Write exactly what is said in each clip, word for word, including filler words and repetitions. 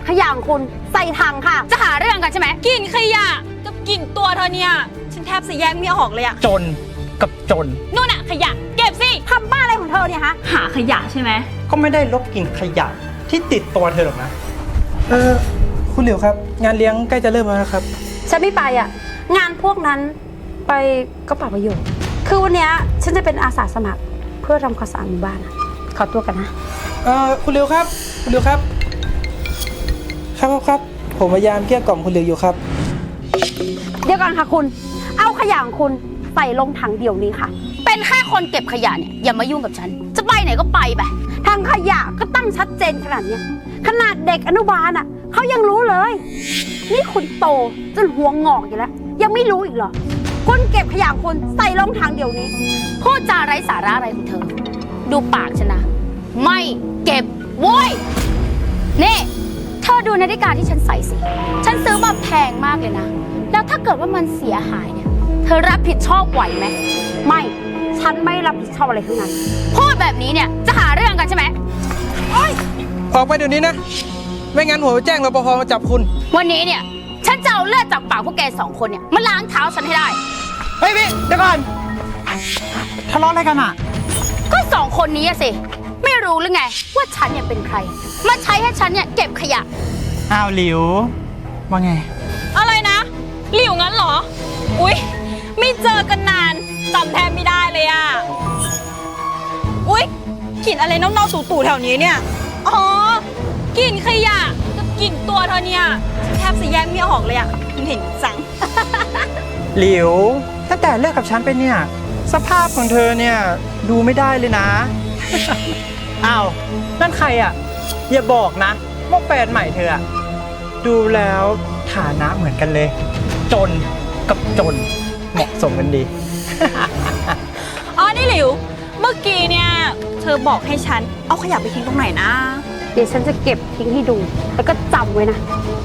ขยะของคุณใส่ถังค่ะจะหาเรื่องกันใช่ไหมกลิ่นขยะกับกลิ่นตัวเธอเนี่ยฉันแทบจะแยกไม่ออกเลยอะจนกับจนนู่นอะขยะเก็บสิทำบ้าอะไรของเธอเนี่ยฮะหาขยะใช่ไหมก็ไม่ได้ลบกลิ่นขยะที่ติดตัวเธอหรอกนะเออคุณหลิวครับงานเลี้ยงใกล้จะเริ่มแล้วนะครับฉันไม่ไปอ่ะงานพวกนั้นไปก็เปล่าประโยชน์คือวันนี้ฉันจะเป็นอาสาสมัครเพื่อทำความสะอาดหมู่บ้านนะขอตัวกันนะเออคุณหลิวครับคุณหลิวครับครับครับผมพยายามเกลี้ยกล่อมคุณหลิวอยู่ครับเดี๋ยวก่อนค่ะคุณเอาขยะของคุณใส่ลงถังเดี๋ยวนี้ค่ะเป็นแค่คนเก็บขยะเนี่ยอย่ามายุ่งกับฉันจะไปไหนก็ไปไปทางขยะก็ตั้งชัดเจนขนาดนี้ขนาดเด็กอนุบาลอ่ะเขายังรู้เลยนี่คุณโตจนหัวงอกอยู่แล้วยังไม่รู้อีกเหรอคุณเก็บขยะคุณใส่ลงถังเดี๋ยวนี้พูดจาไร้สาระอะไรของเธอดูปากฉันนะไม่เก็บโว้ยนี่เธอดูนาฬิกาที่ฉันใส่สิฉันซื้อมาแพงมากเลยนะแล้วถ้าเกิดว่ามันเสียหายเนี่ยเธอรับผิดชอบไหวไหมไม่ฉันไม่รับผิดชอบอะไรทั้งนั้นพูดแบบนี้เนี่ยจะหาเรื่องกันใช่ไหมออกไปเดี๋ยวนี้นะไม่งั้นผมจะแจ้งรปภมาจับคุณวันนี้เนี่ยฉันจะเอาเลือดจากปากพวกแกสองคนเนี่ยมาล้างเท้าฉันให้ได้เฮ้ยพี่เดี๋ยวก่อนทะเลาะอะไรกันอ่ะก็สองคนนี้สิไม่รู้หรือไงว่าฉันเนี่ยเป็นใครมาใช้ให้ฉันเนี่ยเก็บขยะอ้าวหลิวว่าไงอะไรนะหลิวงั้นเหรออุ๊ยไม่เจอกันนานจำแทบไม่ได้เลยอ่ะอุ๊ยกลิ่นอะไรเน่าๆตู่ๆแถวนี้เนี่ยอ๋อกลิ่นขยะกับกลิ่นตัวเธอเนี่ยแทบจะแยกไม่ออกเลยอ่ะเห็นจังหลิวตั้งแต่เลิกกับฉันไปเนี่ยสภาพของเธอเนี่ยดูไม่ได้เลยนะอ้าวนั่นใครอ่ะอย่าบอกนะว่าแฟนใหม่เธอดูแล้วฐานะเหมือนกันเลยจนกับจนเหมาะสมกันดีอ๋อนี่หลิวเมื่อกี้เนี่ยเธอบอกให้ฉันเอาขยะไปทิ้งตรงไหนนะเดี๋ยวฉันจะเก็บทิ้งให้ดูแล้วก็จำไว้นะ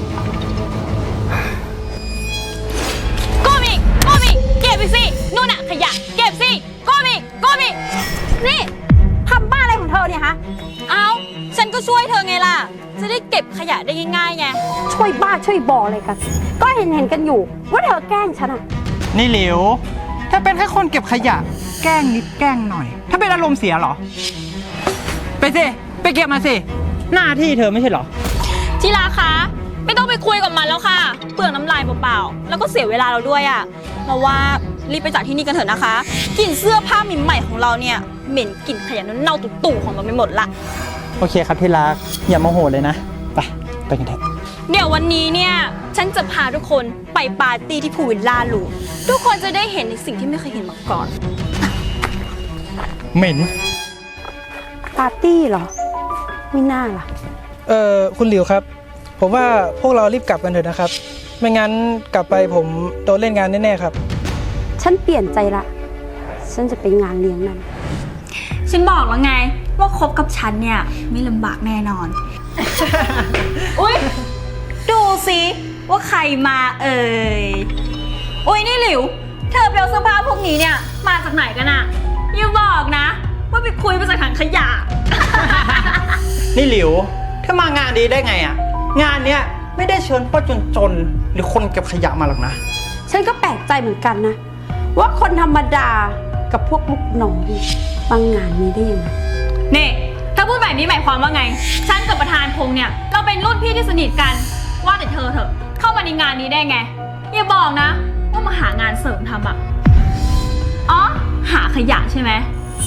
โกมิโกมิเก็บไปสินู่นน่ะขยะเก็บสิโกมิโกมินี่ทำบ้าอะไรของเธอเนี่ยฮะเอาฉันก็ช่วยเธอไงล่ะจะได้เก็บขยะได้ง่ายๆไงช่วยบ้าช่วยบออะไรกันก็เห็นเห็นกันอยู่ว่าเธอแกล้งฉันอะนี่หลิวถ้าเป็นแค่คนเก็บขยะแกล้งนิดแกล้งหน่อยถ้าเป็นอารมณ์เสียเหรอไปสิไปเก็บมาสิหน้าที่เธอไม่ใช่เหรอทีละคะไม่ต้องไปคุยกับมันแล้วค่ะเปลืองน้ำลายเปล่าๆแล้วก็เสียเวลาเราด้วยอ่ะเราว่ารีบไปจากที่นี่กันเถอะนะคะกลิ่นเสื้อผ้าใหม่ๆของเราเนี่ยเหม็นกลิ่นขยะเน่าๆตู่ๆของเราไปหมดละโอเคครับที่รักอย่าโมโหเลยนะไปไปกันเถอะเดี๋ยววันนี้เนี่ยฉันจะพาทุกคนไปปาร์ตี้ที่พูลวิลล่าหรูทุกคนจะได้เห็นในสิ่งที่ไม่เคยเห็นมาก่อนเหม็นปาร์ตี้เหรอไม่น่าล่ะเออคุณหลิวครับผมว่าพวกเรารีบกลับกันเถอะนะครับไม่งั้นกลับไปผมโดนเล่นงานแน่ๆครับฉันเปลี่ยนใจละฉันจะไปงานเลี้ยงนั้นฉันบอกแล้วไงว่าคบกับฉันเนี่ยไม่ลำบากแน่นอน อุ๊ยดูสิว่าใครมาเอ่ยอุ๊ยนี่หลิวเธอไปเอาเสื้อผ้าพวกนี้เนี่ยมาจากไหนกันอะอย่าบอกนะว่าไปคุยมาจากถังขยะนี่หลิวเธอมางานดีได้ไงอะงานเนี้ยไม่ได้เชิญพ่อจนๆหรือคนเก็บขยะมาหรอกนะฉันก็แปลกใจเหมือนกันนะว่าคนธรรมดากับพวกลูกน้องบางงานนี้ได้ยังไงนี่ถ้าพูดแบบนี้หมายความว่าไงฉันกับประธานพงษ์เนี่ยเราเป็นรุ่นพี่ที่สนิทกันว่าแต่เธอเถอะเข้ามาในงานนี้ได้ไงอย่าบอกนะว่ามาหางานเสริมทำอะอ๋อหาขยะใช่ไหม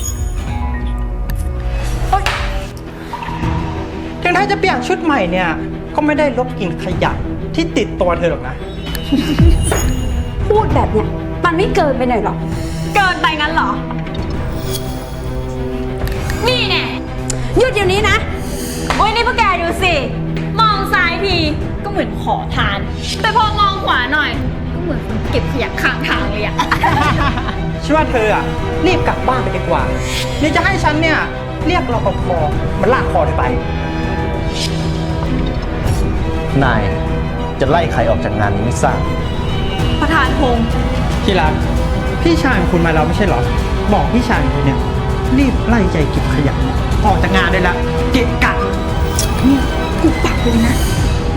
ถึงถ้าจะเปลี่ยนชุดใหม่เนี่ยก็ไม่ได้ลบกลิ่นขยะที่ติดตัวเธอหรอกนะพูดแบบเนี้ยมันไม่เกินไปหน่อยหรอเกินไปงั้นเหรอนี่แน่หยุดเดี๋ยวนี้นะโอ้ยนี่พวกแกดูสิมองซ้ายทีก็เหมือนขอทานแต่พอมองขวาหน่อยก็เหมือนเก็บขยะข้างทางเลยอะฉันว่าเธออะรีบกลับบ้านไปดีกว่านี่จะให้ฉันเนี่ยเรียกรปภมันลากคอเธอไปนายจะไล่ใครออกจากงานนี้ไม่ทราบประธานพงษ์ที่รักพี่ชายของคุณมาแล้วไม่ใช่เหรอบอกพี่ชายคุณเนี่ยรีบไล่ใจเก็บขยะออกจากงานได้แล้วเกะกะนี่กูปักเลยนะ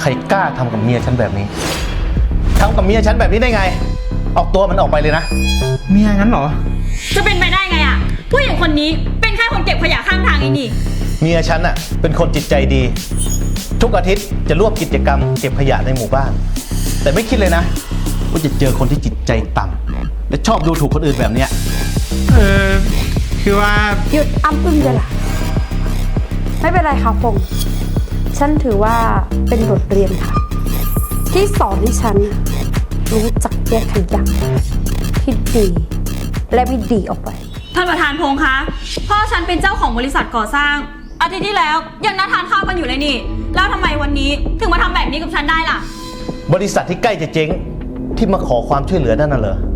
รกล้าทำกับเมียฉันแบบนี้ทำกับเมียฉันแบบนี้ได้ไง ออกตัวมันออกไปเลยนะเมียงั้นเหรอจะเป็นไปได้ไงอะผู้หญิงคนนี้เป็นแค่คนเก็บขยะข้างทางเองนี่เมียฉันน่ะเป็นคนจิตใจดี ทุกอาทิตย์จะร่วมกิจกรรมเก็บขยะในหมู่บ้าน แต่ไม่คิดเลยนะว่าจะเจอคนที่จิตใจต่ำและชอบดูถูกคนอื่นแบบเนี้ยเออ คือว่าหยุดอ้ำอึ้งเลยล่ะ ไม่เป็นไรค่ะพงษ์ฉันถือว่าเป็นบทเรียนค่ะ ที่สอนให้ฉันรู้จักแยกขยะที่ดีและไม่ดีออกไปท่านประธานพงษ์คะพ่อฉันเป็นเจ้าของบริษัทก่อสร้าง อาทิตย์ที่แล้วยังนัดทานข้าวกันอยู่เลยนี่ แล้วทำไมวันนี้ถึงมาทำแบบนี้กับฉันได้ล่ะบริษัทที่ใกล้จะเจ๊งที่มาขอความช่วยเหลือนั่นน่ะเหรอ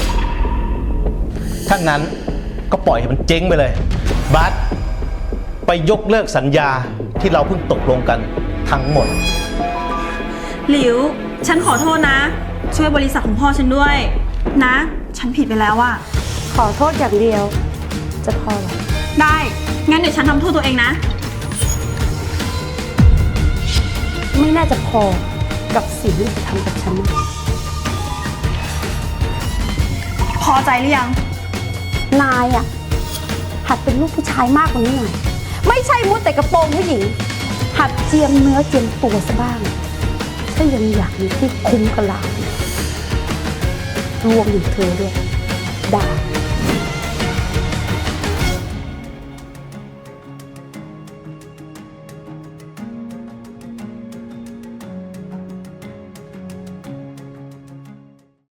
ถ้างั้นก็ปล่อยให้มันเจ๊งไปเลยบัสไปยกเลิกสัญญาที่เราเพิ่งตกลงกันทั้งหมดหลิว ฉันขอโทษนะ ช่วยบริษัทของพ่อฉันด้วย นะ ฉันผิดไปแล้วอะขอโทษอย่างเดียว จะพอเหรอได้ งั้นเดี๋ยวฉันทำโทษตัวเองนะไม่น่าจะพอกับสิ่งที่จะทำกับฉันนะพอใจหรือยังนายอะหัดเป็นลูกผู้ชายมากกว่านี้หน่อย ไม่ใช่มุดแต่กระโปรงผู้หญิง หัดเจียมเนื้อเจียมตัวซะบ้าง ถ้ายังอยากมีที่คุ้มกับเรารวมถึงเธอด้วย ได้